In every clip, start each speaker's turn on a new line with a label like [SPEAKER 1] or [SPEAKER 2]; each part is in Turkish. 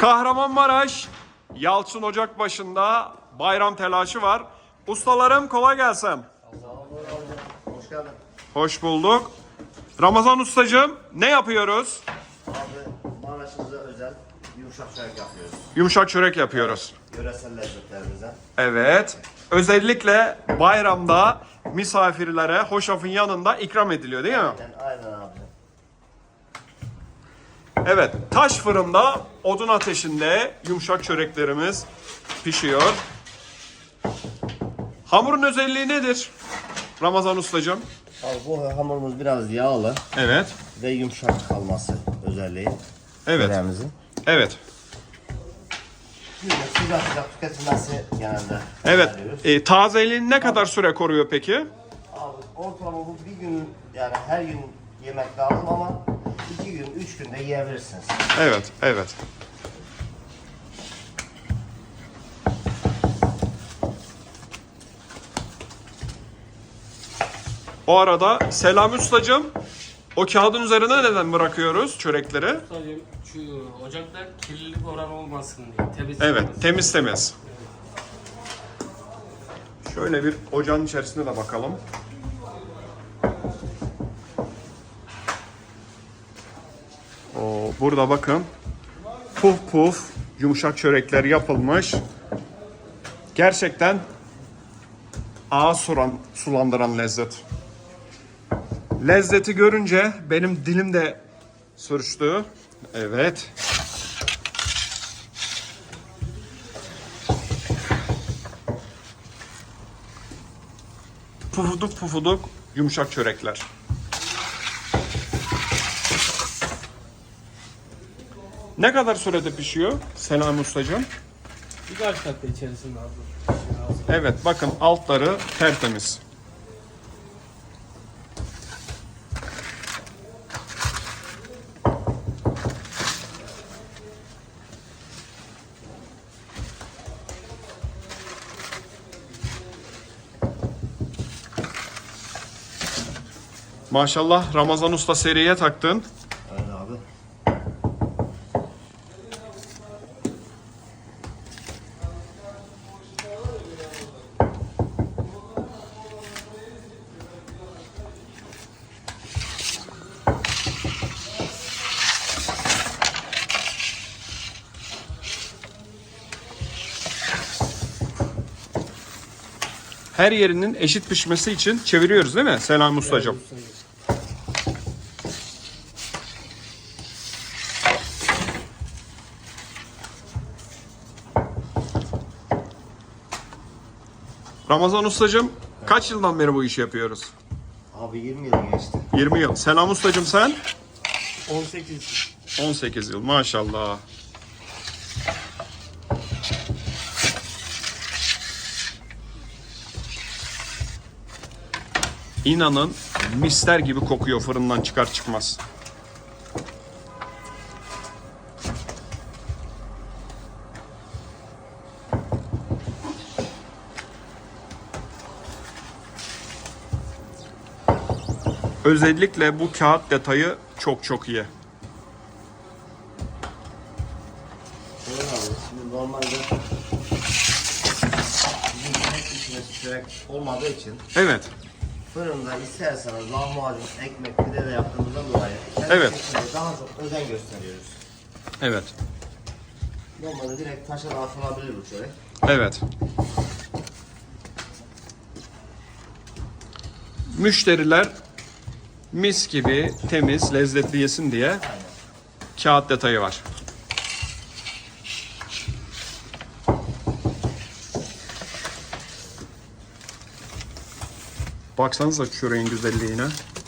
[SPEAKER 1] Kahramanmaraş Yalçın Ocakbaşı'nda bayram telaşı var. Ustalarım kolay gelsin.
[SPEAKER 2] Hoş geldin.
[SPEAKER 1] Hoş bulduk. Ramazan ustacığım ne yapıyoruz?
[SPEAKER 2] Abi Maraş'ımıza özel yumuşak çörek yapıyoruz.
[SPEAKER 1] Yumuşak çörek yapıyoruz.
[SPEAKER 2] Yöresel lezzetlerimize.
[SPEAKER 1] Evet. Özellikle bayramda misafirlere hoşafın yanında ikram ediliyor değil mi?
[SPEAKER 2] Aynen abi.
[SPEAKER 1] Evet. Taş fırında odun ateşinde yumuşak çöreklerimiz pişiyor. Hamurun özelliği nedir? Ramazan ustacığım.
[SPEAKER 2] Abi bu hamurumuz biraz yağlı
[SPEAKER 1] Evet.
[SPEAKER 2] ve yumuşak kalması özelliği.
[SPEAKER 1] Evet.
[SPEAKER 2] Çöreğimizin.
[SPEAKER 1] Evet.
[SPEAKER 2] Güzel sıcak sıcak tüketilmesi genelde.
[SPEAKER 1] Evet.
[SPEAKER 2] öneriyoruz.
[SPEAKER 1] Tazeliğini ne kadar süre koruyor peki?
[SPEAKER 2] Abi ortalama bu bir gün yani her gün yemek lazım ama 2 gün 3 günde yiyebilirsiniz.
[SPEAKER 1] Evet, evet. O arada Selami Ustacığım, o kağıdın üzerine neden bırakıyoruz çörekleri?
[SPEAKER 3] Sadece şu ocakta kirlilik oranı olmasın diye. Temiz
[SPEAKER 1] Evet,
[SPEAKER 3] olmasın.
[SPEAKER 1] temiz temiz. Şöyle bir ocağın içerisine de bakalım. Burada bakın. Puf puf yumuşak çörekler yapılmış. Gerçekten ağız sulandıran lezzet. Lezzeti görünce benim dilim de sürçtü. Evet. Pufuduk pufuduk yumuşak çörekler. Ne kadar sürede pişiyor Selami Ustacığım?
[SPEAKER 3] Birkaç dakika içerisinde hazır.
[SPEAKER 1] Evet bakın altları tertemiz. Maşallah Ramazan Usta seriye taktın.
[SPEAKER 2] Evet abi.
[SPEAKER 1] Her yerinin eşit pişmesi için çeviriyoruz değil mi Selami Ustacığım? Ramazan Ustacığım kaç yıldan beri bu işi yapıyoruz?
[SPEAKER 2] Abi 20 yıl geçti.
[SPEAKER 1] 20 yıl. Selami Ustacığım sen?
[SPEAKER 3] 18.
[SPEAKER 1] 18 yıl maşallah. İnanın mister gibi kokuyor fırından çıkar çıkmaz. Özellikle bu kağıt detayı çok çok iyi.
[SPEAKER 2] Evet abi. Şimdi normalde bizim tek içine çörek olmadığı için
[SPEAKER 1] Evet.
[SPEAKER 2] fırında isterseniz lahmacun, ekmek, pide de yaptığımızdan dolayı
[SPEAKER 1] Evet.
[SPEAKER 2] kendisi daha çok özen gösteriyoruz.
[SPEAKER 1] Evet.
[SPEAKER 2] Normalde direkt taşa da atılabilir bu çörek.
[SPEAKER 1] Evet. Müşteriler mis gibi temiz, lezzetli yesin diye kağıt detayı var. Baksanıza çöreğin güzelliğine.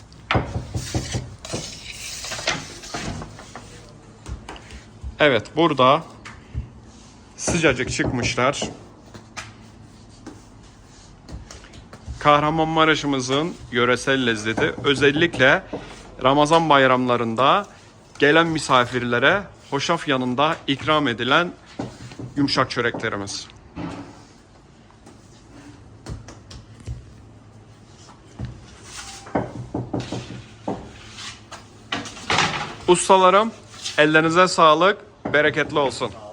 [SPEAKER 1] Evet, burada sıcacık çıkmışlar. Kahramanmaraş'ımızın yöresel lezzeti özellikle Ramazan bayramlarında gelen misafirlere hoşaf yanında ikram edilen yumuşak çöreklerimiz. Ustalarım, ellerinize sağlık, bereketli olsun.